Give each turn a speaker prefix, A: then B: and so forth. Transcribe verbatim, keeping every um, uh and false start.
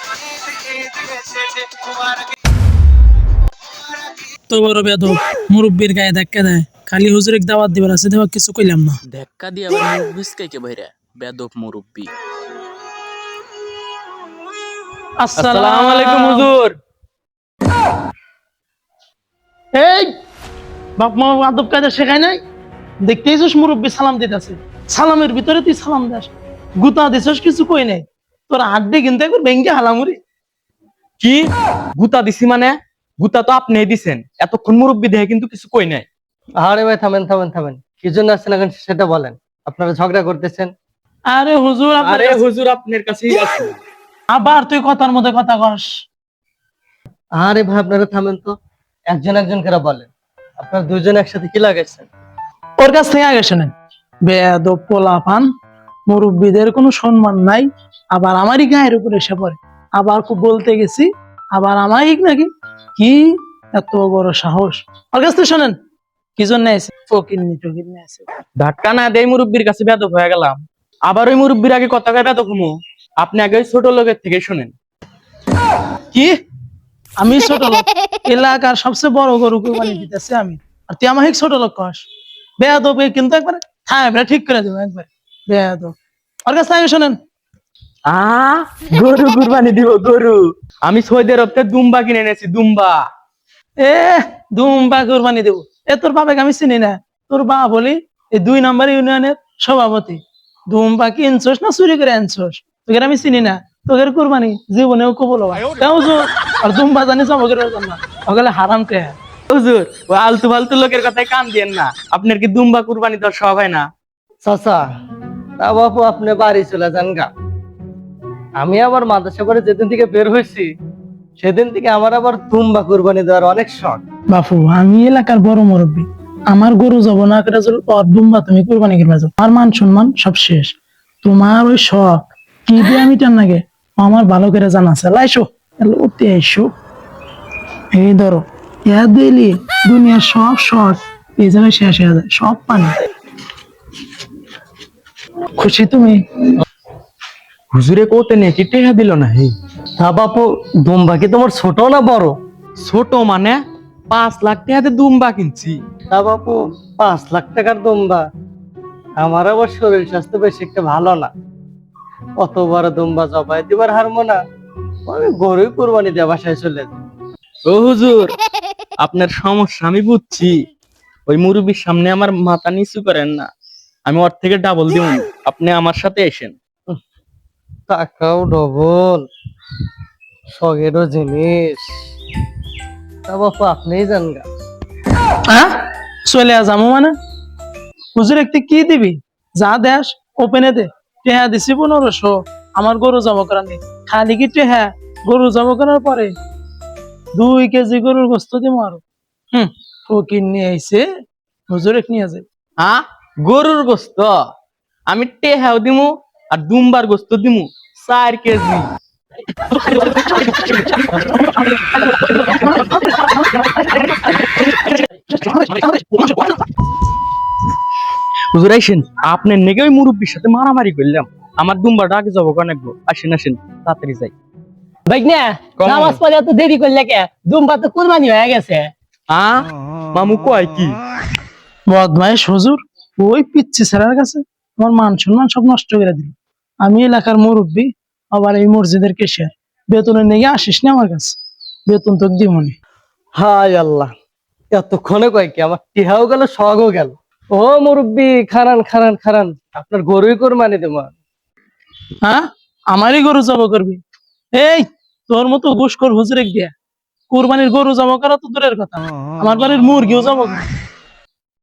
A: তো বড় বেদব মুরব্বির গায়ে ধাক্কা দেয়, খালি হুজুরের দাওয়াত দিবার আছে, দেওয়া কিছু কইলাম না।
B: ধাক্কা দিয়ে আবার মুখ বিচকাইকে বাইরে বেদব মুরব্বি।
C: আসসালামু আলাইকুম হুজুর।
A: এই বাপ মা আদব কায়দা শেখায় নাই? দেখতেইছিস মুরব্বি সালাম দিতেছে, সালামের ভিতরে তুই সালাম দাস, গুতা দিছস কিছু কই নাই, তোর আড্ডে কিন্তু একবার ভেঙ্গে হালামুরি।
C: কি গুতা দিছি মানে? গুতা তো আপনি দিছেন, এতক্ষণ মুরব্বি দেখে কিন্তু কিছু কই নাই।
D: আরে ভাই থামেন থামেন থামেন, কি জন্য আসছেন এখন সেটা বলেন। আপনারা ঝগড়া করতেছেন।
A: আরে হুজুর আপনার
C: আরে
A: কাছে-
C: হুজুর আপনার কাছেই আছে।
A: আবার তুই কথার মধ্যে কথা কস।
D: আরে ভাই আপনারা থামেন তো, একজন একজন করে বলেন। আপনারা দুজন একসাথে কি লাগাইছেন?
A: ওর কাছ থেকে আগে শোনেন, বেয়াদব পোলাপান, মুরব্বিদের কোনো সম্মান নাই, আবার আমারই গায়ের উপরে এসে পড়ে, আবার খুব বলতে গেছি, আবার আমারই নাকি কি এত বড় সাহস। ওর কাছ থেকে শোনেন, কি জন্য আছে ফকিন্নি টকিন্নি আছে।
C: ধাক্কা না দেই মুরব্বির কাছে বেদব হয়ে গেলাম, আবার ওই মুরব্বির আগে কথা কয়ে বেদব হমু। আপনি আগে ওই ছোট লোকের থেকে শুনেন।
A: কি আমি ছোট লোক? এলাকার সবচেয়ে বড় গরু কোরবানি দিতেছে আমি, আর তুই আমাকে ছোট লোক কস? বেয়াদব এ কিন্তু একবার হ্যাঁ এবার ঠিক করে দেবো একবার। বেয়াদব, ওর কাছ থেকে শোনেন।
C: আ গরু কুরবানি দিব গরু? আমি সৌদি আরব থেকে দুম্বা কিনে এনেছি, দুম্বা।
A: এ দুম্বা কোরবানি দেবো? এ তোর বাবাকে আমি চিনি না, তোর বাবা বলি এই দুই নম্বর ইউনিয়নের সভাপতি। দুম্বা কি আনছস না চুরি করে আনছস? তোকে আমি চিনি না, তোকে কোরবানি জীবনেও কবল হবা। আর দুম্বা জানি সব না ওগুলো হারাম কে।
C: হুজুর ওই আলতু ফালতু লোকের কথায় কান দিয়েন না, আপনার কি দুম্বা কুরবানি দেওয়ার শখ হয় না?
D: চাচা, তা বাপু আপনি বাড়ি চলে যান গা। আমি আবার মাদ্রাসা করে যেদিন থেকে বের হয়েছি সেদিন থেকে আমার আবার দুম্বা কুরবানি দেওয়ার অনেক শখ।
A: বাপু আমি এলাকার বড় মুরব্বী, আমার গরু যাব না করে যদি তোর দুম্বা তুমি কোরবানি করবে যাও, আমার মান সম্মান সব শেষ। তোমার ওই শখ কি দিয়ে আমি টান লাগে আমার ভালো করে জানা আছে। লাইসো লোতে আইসো, এই ধরো ইয়া দিলি দুনিয়ার সব শখ এই জায়গায় শেষ হয়ে যায়, সব পানি। খুশি তুমি?
C: হুজুরে কোতে নিয়ে কি টেহা দিল না? হে
D: তা বাপু দুম্বা কি তোমার ছোট না বড়?
C: ছোট মানে পাঁচ লাখ টাকাতে দুম্বা কিনছি।
D: তা বাপু পাঁচ লাখ টাকার দুম্বা? আমার আবার শরীর স্বাস্থ্য বেশি একটা ভালো না, অত বড় দুম্বা জবাই দিবার হারমো না। আমি গরুই কুরবানি দিয়ে বাসায় চলে যাই।
C: ও হুজুর আপনার সমস্যা আমি বুঝছি, ওই মুরব্বির সামনে আমার মাথা নিচু করেন না, আমি ওর থেকে ডাবল দিব, আপনি আমার সাথে এসেন।
D: টাকাও ডবল, শখেরও জিনিস। তা বাপু আপনিই জান গা।
A: হ্যাঁ চলে যাবো মানে? হুজুর একটি কি দিবি? যা দেশ ওপেনে দে। টেহা দিছি পনেরোশো, আমার গরু জমা করার নেই, খালি কি টেহা? গরু জমা করার পরে দুই কেজি গরুর গোস্ত দিব আরো। হম ফকির নিয়ে আইছে, হুজুর এক নিয়ে যায়।
C: হ্যাঁ গরুর গোস্ত আমি টেহাও দিমু আর দুম্বার গোস্ত দিমু চার কেজি। হুজুর আইসেন, আপনার নেগে ওই মুরব্বির সাথে মারামারি করলাম, আমার দুম্বাটা আগে যাবো কানেকবো। আসেন আসেন তাড়াতাড়ি যাই।
E: ভাই না
C: কম।
E: নামাজ পড়ে এত দেরি করলে কে? দুম্বা তো কুরবানি হয়ে গেছে।
C: আহ মামু কয় কি?
A: বদমাইশ হুজুর, ওই পিচ্ছি ছেলের কাছে আমার মান সম্মান সব নষ্ট করে দিল। আমি এলাকার মুরব্বী, আবার এই মসজিদের কেশিয়ার, বেতনের নিয়ে আসিস না আমার কাছে, বেতন তো দিমনি।
D: হায় আল্লাহ, এতক্ষণে কয় কি আমার টিহাও গেল শখও গেল। ও মুরব্বি খারান খারান খারান, আপনার গরুই কুরবানি দেব।
A: হ্যাঁ আমারই গরু জব করবি? এই তোর মতো ঘুষখোর হুজুরে দিয়া কুরবানির গরু জব করা তো দূরের কথা, আমার বাড়ির মুরগিও জব করে।